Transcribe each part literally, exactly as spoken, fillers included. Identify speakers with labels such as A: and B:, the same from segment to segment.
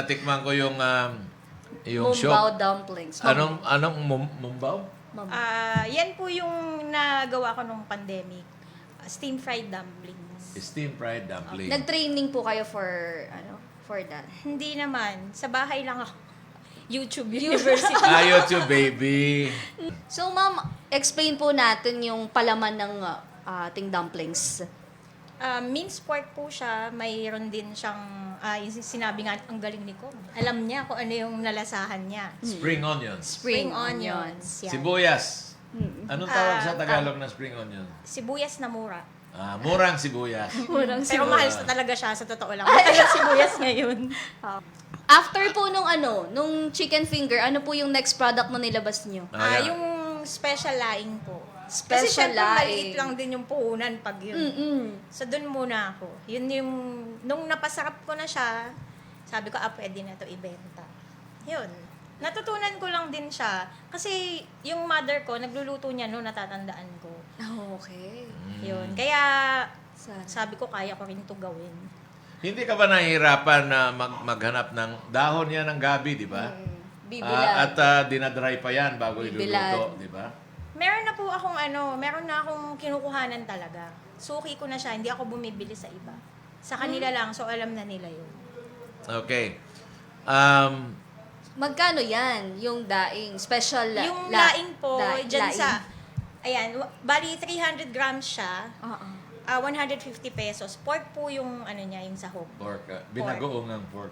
A: natikman ko yung um, yung
B: Mumbaw
A: shop.
B: dumplings.
A: Anong anong mum- mumbaw?
B: Mum-
C: Ah, yan po yung nagawa ko nung pandemic. Uh, steam fried dumplings.
A: Steam fried dumpling.
B: Nag-training po kayo for ano for that.
C: Hindi naman. Sa bahay lang ako. YouTube University.
A: Ah, YouTube, baby.
B: So ma'am, explain po natin yung palaman ng uh, ating dumplings.
C: Uh, minced pork po siya. Mayroon din siyang, ah, yung sinabi nga, ang galing ni ko. Alam niya kung ano yung nalasahan niya.
A: Spring onions.
B: Spring,
C: Spring onions. Yan.
A: Sibuyas. Anong tawag
C: Ah,
A: sa Tagalog ng spring onion?
C: Sibuyas na mura.
A: Ah, murang sibuyas.
B: Murang
C: Pero mahal sa talaga siya, sa totoo lang. Mahal sibuyas ngayon.
B: After po nung ano, nung chicken finger, ano po yung next product na nilabas niyo?
C: Ah,
A: Ayan.
C: yung special laing po.
B: Special
C: Kasi syempre
B: laing.
C: maliit lang din yung puhunan pag yun.
B: Mm-mm.
C: So, dun muna ako. Yun yung, nung napasarap ko na siya, sabi ko, ah, pwede na to ibenta. Yun. Natutunan ko lang din siya. Kasi yung mother ko, nagluluto niya no, natatandaan ko.
B: Oh, okay.
C: Yun. Kaya,
B: Sana.
C: sabi ko, kaya ko rin to gawin.
A: Hindi ka ba nahihirapan na mag- maghanap ng dahon yan ng gabi, di ba?
B: Mm.
A: Ah,
B: Bibilad.
A: at uh, dinadry pa yan bago
B: Bibilad.
A: iluluto, di ba?
C: Meron na po akong ano, meron na akong kinukuhanan talaga. Suki ko na siya, hindi ako bumibili sa iba. Sa kanila lang, so alam na nila yun.
A: Okay. Um,
B: Magkano yan? Yung daing special la-
C: Yung
B: la-
C: laing po,
B: da-
C: dyan
B: laing.
C: sa, ayan, wa- bali three hundred grams siya,
B: Oo.
C: ah one hundred fifty pesos. Pork po yung ano niya, yung sahog.
A: pork. Uh, binagoong ang pork.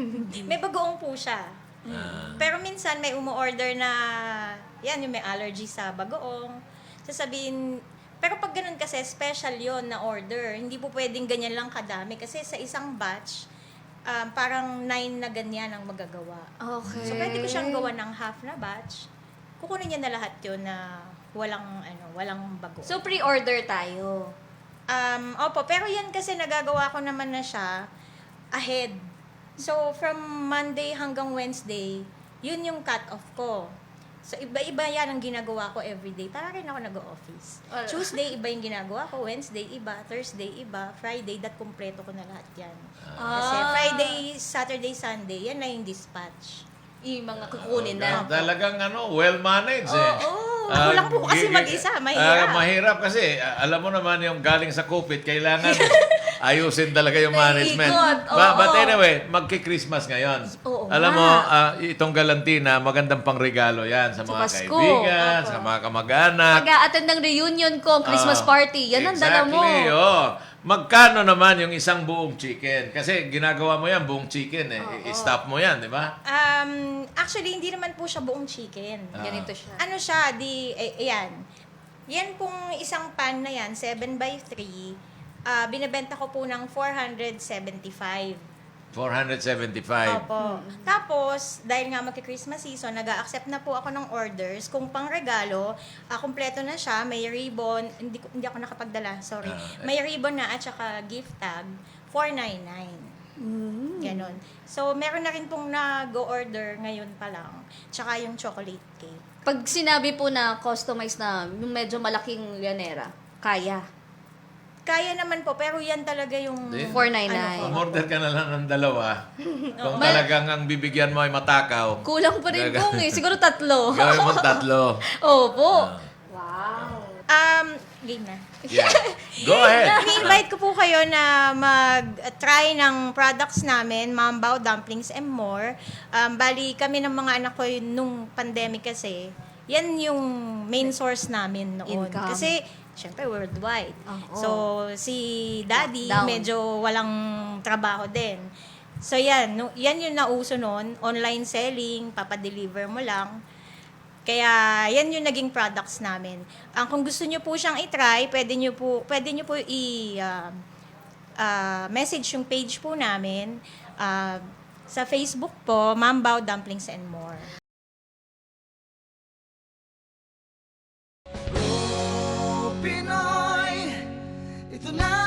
C: May bagoong po siya.
A: Ah.
C: Pero minsan may umu-order na, yan, yung may allergy sa bagoong. Sasabihin, pero pag ganun kasi, special yon na order. Hindi po pwedeng ganyan lang kadami. Kasi sa isang batch, um, parang nine na ganyan ang magagawa.
B: Okay.
C: So, pwede ko siyang gawa ng half na batch. Kukunin niya na lahat yun na walang, ano, walang bago.
B: So, pre-order tayo.
C: Um, opo, pero yan kasi nagagawa ko naman na siya ahead. So, from Monday hanggang Wednesday, yun yung cut-off ko. So, iba-iba yan ang ginagawa ko everyday. Para rin ako nag-office.
B: Well,
C: Tuesday, iba yung ginagawa ko. Wednesday, iba. Thursday, iba. Friday, that kumpleto ko na lahat yan. Kasi
B: Ah.
C: Friday, Saturday, Sunday, yan na yung dispatch.
B: Yung mga kukunin
A: Ah,
B: na.
A: talagang ano, well-managed eh.
C: Oo.
A: Ah,
C: Kulang po kasi
A: gigi-
C: mag-isa.
A: ah,
C: Mahirap.
A: mahirap kasi, ah, alam mo naman yung galing sa kupit, kailangan ayusin talaga yung management.
B: Naiikot,
A: Ba-
B: oo.
A: but anyway, magki-Christmas ngayon.
B: Oo
A: Alam
B: nga.
A: mo, ah, itong galantina, magandang pangregalo yan sa
B: Sa
A: mga
B: Pasko.
A: kaibigan,
C: Opo.
A: sa mga kamag-anak.
B: Mag-a-attend ng reunion ko, Christmas
A: Ah,
B: party. Yan ang dala mo.
A: Exactly, oh. Magkano naman yung isang buong chicken? Kasi ginagawa mo yan, buong chicken eh. I-stop mo yan, di ba?
C: Um, actually, hindi naman po siya buong chicken.
A: Ah.
B: Ganito siya.
C: Ano siya, di, eh, ayan. Yan pong isang pan na yan, seven by three, ah binibenta ko po ng four hundred seventy-five.
A: four hundred seventy-five.
C: Opo. Tapos, dahil nga magki-Christmas season, nag-accept na po ako ng orders. Kung pang regalo, ah, kumpleto na siya, may ribbon, hindi, ko- hindi ako nakapagdala, sorry.
A: Ah,
C: May ribbon na at saka gift tag, four ninety-nine.
B: Mm.
C: Ganon. So, meron na rin pong nag-order ngayon pa lang. Tsaka yung chocolate cake.
B: Pag sinabi po na customized na yung medyo malaking llanera, kaya.
C: Kaya naman po, pero yan talaga yung...
A: Hindi.
B: four ninety-nine.
C: Ano po.
A: Umorder ka na lang ng dalawa. Kung
B: Mal-
A: talagang ang bibigyan mo ay matakaw,
B: Kulang pa rin
A: Gaga-
B: kung eh. Siguro tatlo.
A: gawin mo tatlo.
B: Opo.
A: Ah.
B: Wow.
C: Um, game na.
A: Yeah. Go ahead.
C: Ini-invite ko po kayo na mag-try ng products namin, Mambaw, Dumplings, and more. Um, bali, kami ng mga anak ko yun nung pandemic kasi, yan yung main source namin noon.
B: Income.
C: Kasi, syempre, worldwide.
B: Oo.
C: So, si daddy,
B: Lockdown.
C: medyo walang trabaho din. So, yan. No, yan yung nauso noon. Online selling, papadeliver mo lang. Kaya, yan yung naging products namin. Ang kung gusto nyo po siyang i-try, pwede nyo po, pwede nyo po i- ah, ah, message yung page po namin. Ah, sa Facebook po, Mambaw, Dumplings, and More.
D: Pinoy, ito na